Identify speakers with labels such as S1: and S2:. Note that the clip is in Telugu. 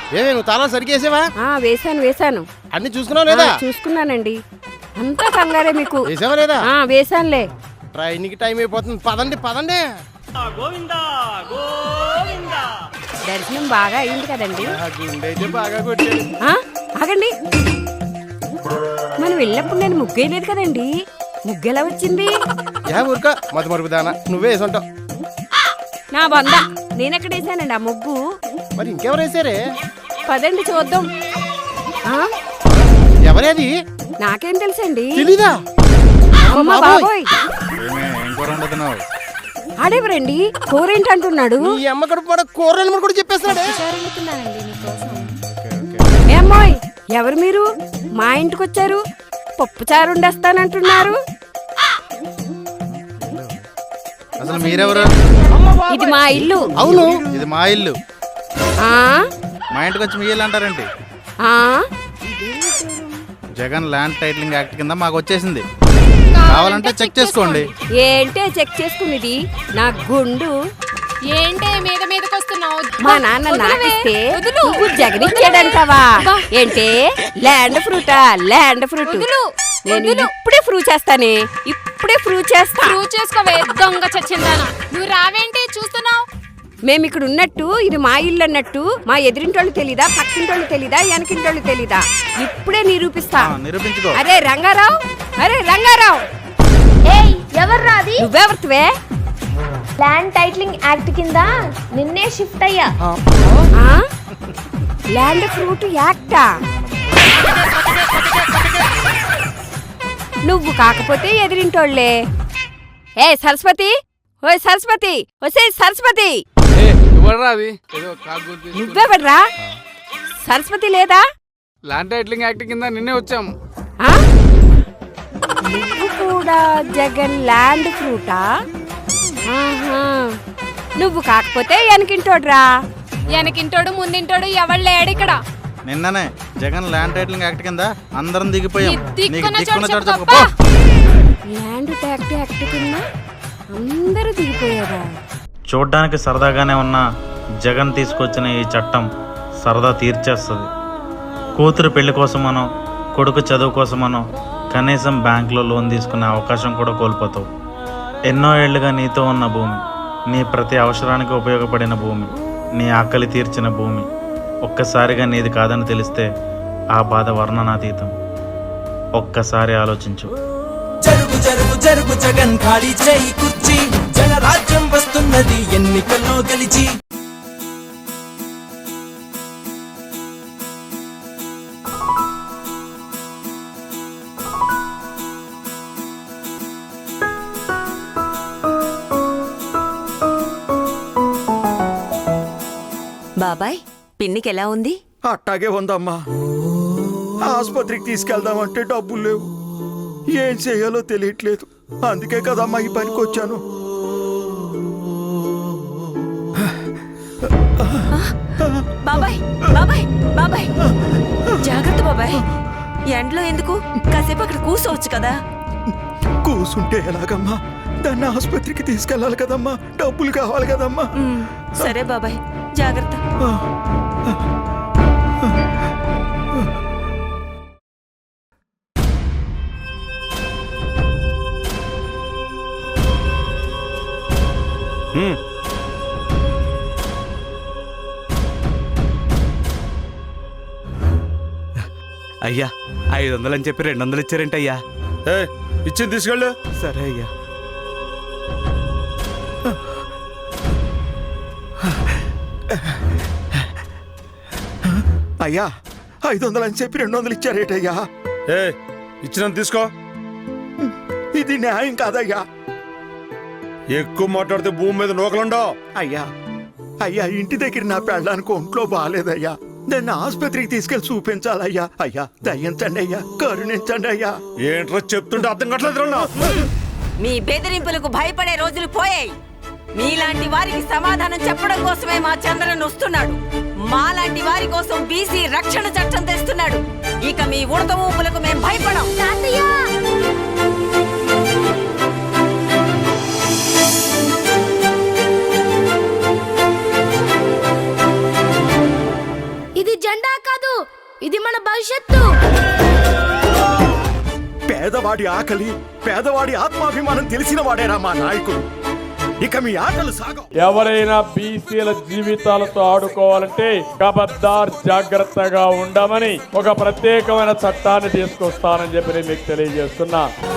S1: ఏమే నువ్వు తాళం సరిగేసావా?
S2: వేశాను.
S1: అన్ని చూసుకున్నావు లేదా?
S2: చూసుకున్నానండి. అంతా కంగారే మీకు.
S1: వేసావా లేదా?
S2: వేశానులే.
S1: ట్రైన్కి టైం అయిపోతుంది. పదండి.
S2: దర్శనం బాగా అయింది కదండి.
S1: గుండె అయితే బాగా కొట్టాడు.
S2: ఆగండి, మనం వెళ్ళినప్పుడు నేను ముగ్గేయలేదు కదండి. ముగ్గు ఎలా వచ్చింది?
S1: ఊరుక మత మరుపు దానా, నువ్వే వేసుంటావు.
S2: నా బంద, నేనెక్కడ వేసానండి ఆ ముగ్గు?
S1: మరి ఇంకెవరు వేసారే?
S2: పదండి చూద్దాం.
S1: ఎవరేది?
S2: నాకేం తెలుసండి.
S1: తెలీదా?
S2: అమ్మ బాబోయ్, ఆడేవరండి? కూరేంటంటున్నాడు.
S1: ఈ అమ్మ కడుపు పడ కూరని కూడా చెప్పేస్తున్నాడు.
S2: ఏమ్మోయ్, ఎవరు మీరు? మా ఇంటికి వచ్చారు, పప్పుచారు వండేస్తానంటున్నారు.
S3: అసలు మీరెవరు?
S2: ఇది మా ఇల్లు.
S1: అవును,
S3: ఇది మా ఇల్లు. మా ఇంటికి వచ్చి మీ ఇల్లు అంటారేంటి? జగన్ ల్యాండ్ టైటిలింగ్ యాక్ట్ కింద మాకు వచ్చేసింది. కావాలంటే చెక్ చేసుకోండి.
S2: ఏంటే చెక్ చేసుకునేది? నా గుండు
S4: ఏంటే మీదకి వస్తున్నావు?
S2: మా నాన్న నాకిస్తే నువ్వు జగనిచ్చాడంటావా? ఏంటే ల్యాండ్ ఫ్రూటా? ల్యాండ్ ఫ్రూట్ నేను ఇప్పుడే ప్రూవ్ చేస్తానే. ప్రూవ్
S4: చేసుకోవే దొంగ చచ్చిందానా. నువ్వు రావేంటి చూస్తున్నావు?
S2: మేము ఇక్కడ ఉన్నట్టు ఇది మా ఇల్లు అన్నట్టు మా ఎదురింటోళ్ళు తెలీదా? పక్కింటోళ్ళు తెలీదా? వెనకింటోళ్ళు తెలీదా? ఇప్పుడే నిరూపిస్తా.
S3: నిరూపించుకో.
S2: అరే రంగారావు,
S5: ఎవర్రా అది?
S2: నువ్వెవరివే?
S5: ల్యాండ్ టైటిలింగ్ యాక్ట్ కింద నిన్నే షిఫ్ట్ అయ్యా.
S2: ల్యాండ్ ఫ్రూట్ యాక్టా? నువ్వు కాకపోతే ఎదిరింటోళ్లే. సరస్వతి, ఓయ్ సరస్వతి, సరస్వతి, నువ్వెవడ్రా? సరస్వతి లేదా?
S6: ల్యాండ్ టైటిలింగ్ యాక్ట్ కింద నిన్నే వచ్చాం.
S2: నువ్వు కూడా జగన్ ల్యాండ్ ఫ్రూటా? నువ్వు కాకపోతే వెనకింటోడ్రా.
S4: వెనకింటోడు ముందింటోడు ఎవడు లేడు ఇక్కడ.
S3: నిన్ననే జగన్ ల్యాండ్ టైటిలింగ్ యాక్ట్ కింద అందరం దిగిపోయాం.
S2: ల్యాండ్ యాక్ట్ కింద అందరూ దిగిపోయారా?
S7: చూడ్డానికి సరదాగానే ఉన్న జగన్ తీసుకొచ్చిన ఈ చట్టం సరదా తీర్చేస్తుంది. కూతురు పెళ్లి కోసమనో కొడుకు చదువు కోసమనో కనీసం బ్యాంకులో లోన్ తీసుకునే అవకాశం కూడా కోల్పోతావు. ఎన్నో ఏళ్లుగా నీతో ఉన్న భూమి, నీ ప్రతి అవసరానికి ఉపయోగపడిన భూమి, నీ ఆకలి తీర్చిన భూమి ఒక్కసారిగా నీది కాదని తెలిస్తే ఆ బాధ వర్ణనాతీతం. ఒక్కసారి ఆలోచించు.
S8: జరుగు జరుగు జరుగు జగన్ ఖాళీ చేయి కుర్చీ, జనరాజ్యం వస్తున్నది ఎన్నికల్లో గెలిచి.
S9: బాబాయ్, పిన్నికి ఎలా ఉంది?
S10: అట్టాగే ఉందమ్మా. ఆసుపత్రికి తీసుకెళ్దామంటే డబ్బులు లేవు, ఏం చేయాలో తెలియట్లేదు. అందుకే కదమ్మా ఈ పనికి వచ్చాను.
S9: బాబాయ్ బాబాయ్ బాబాయ్, జాగ్రత్త బాబాయ్. ఎండలో ఎందుకు? కాసేపు అక్కడ కూర్చోవచ్చు కదా.
S10: కూసుంటే ఎలాగమ్మా? దాన్ని ఆసుపత్రికి తీసుకెళ్ళాలి కదమ్మా, డబ్బులు కావాలి కదమ్మా.
S9: సరే బాబాయ్, జాగ్రత్త.
S6: అయ్యా 500 అని చెప్పి 200 ఇచ్చారేంటయ్యా?
S10: ఇచ్చింది తీసుకెళ్ళు.
S6: సరే అయ్యా.
S10: అయ్యా 500 అని చెప్పి 200 ఇచ్చారేటయ్యా?
S11: ఇచ్చిన తీసుకో.
S10: ఇది న్యాయం కాదయ్యా.
S11: ఎక్కువ మాట్లాడితే భూమి మీద నూకలుండవు.
S10: అయ్యా ఇంటి దగ్గర నా పెళ్ళడానికి ఒంట్లో బాగాలేదయ్యా, దాన్ని ఆసుపత్రికి తీసుకెళ్లి చూపించాలయ్యా. అయ్యా దయించండి అయ్యా, కరుణించండి అయ్యా.
S11: ఏంట్రా చెప్తుంటే అర్థం కావట్లేదు.
S9: మీ బెదిరింపులకు భయపడే రోజులు పోయాయి. మీలాంటి వారికి సమాధానం చెప్పడం కోసమే మా చంద్రన్ వస్తున్నాడు. మాలాంటి వారి కోసం బీసీ రక్షణ చట్టం తెస్తున్నాడు. ఇక మీ ఉడత ఊపులకు మేం భయపడం.
S5: ఇది ఇది మన భవిష్యత్తు.
S10: పేదవాడి ఆకలి, పేదవాడి ఆత్మాభిమానం తెలిసిన వాడేరా మా నాయకుడు. ఇక మీ ఆటలు సాగవు.
S12: ఎవరైనా బీసీల జీవితాలతో ఆడుకోవాలంటే ఖబర్దార్ జాగ్రత్తగా ఉండమని ఒక ప్రత్యేకమైన చట్టాన్ని తీసుకొస్తానని చెప్పి నేను మీకు తెలియజేస్తున్నా.